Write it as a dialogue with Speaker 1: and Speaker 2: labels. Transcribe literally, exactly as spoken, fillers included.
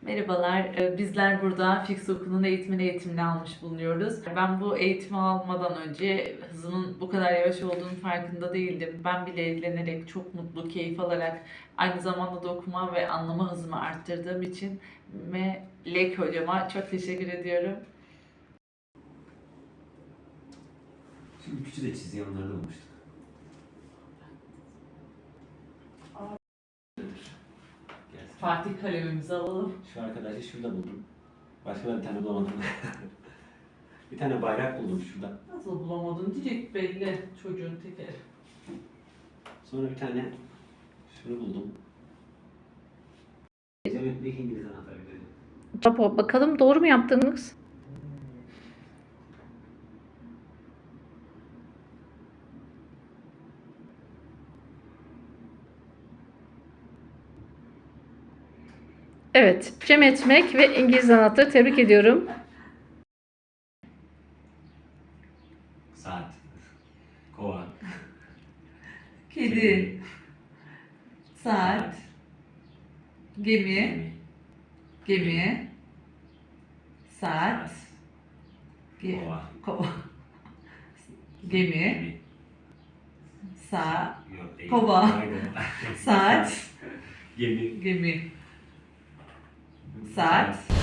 Speaker 1: Merhabalar, e, bizler burada Fix Oku'nun eğitimini eğitimini almış bulunuyoruz. Ben bu eğitimi almadan önce hızımın bu kadar yavaş olduğunu farkında değildim. Ben bile ilgilenerek, çok mutlu, keyif alarak, aynı zamanda da okuma ve anlama hızımı arttırdığım için Melek hocama çok teşekkür ediyorum.
Speaker 2: Şimdi küçük de çizgi onları da bulmuştuk. Gelsin.
Speaker 1: Fatih kalemimizi alalım.
Speaker 2: Şu arkadaşı şurada buldum. Başka da bir tane bulamadım. Bir tane bayrak buldum şurada.
Speaker 1: Nasıl bulamadın diyecek belli çocuğun tekeri.
Speaker 2: Sonra bir tane şunu buldum. Geometrik İngiliz anahtarı dedi.
Speaker 3: Rapor bakalım doğru mu yaptınız? Evet, Cem Etmek ve İngiliz anahtarı tebrik ediyorum.
Speaker 2: Saat. Kova.
Speaker 1: Kedi, saat, gemi,
Speaker 2: Gemi.
Speaker 1: gemi, saat, ge-
Speaker 2: Kova.
Speaker 1: kova, gemi,
Speaker 2: Gemi.
Speaker 1: saat,
Speaker 2: Yok, değil.
Speaker 1: Kova.
Speaker 2: Aynen.
Speaker 1: saat,
Speaker 2: Gemi.
Speaker 1: gemi, saat,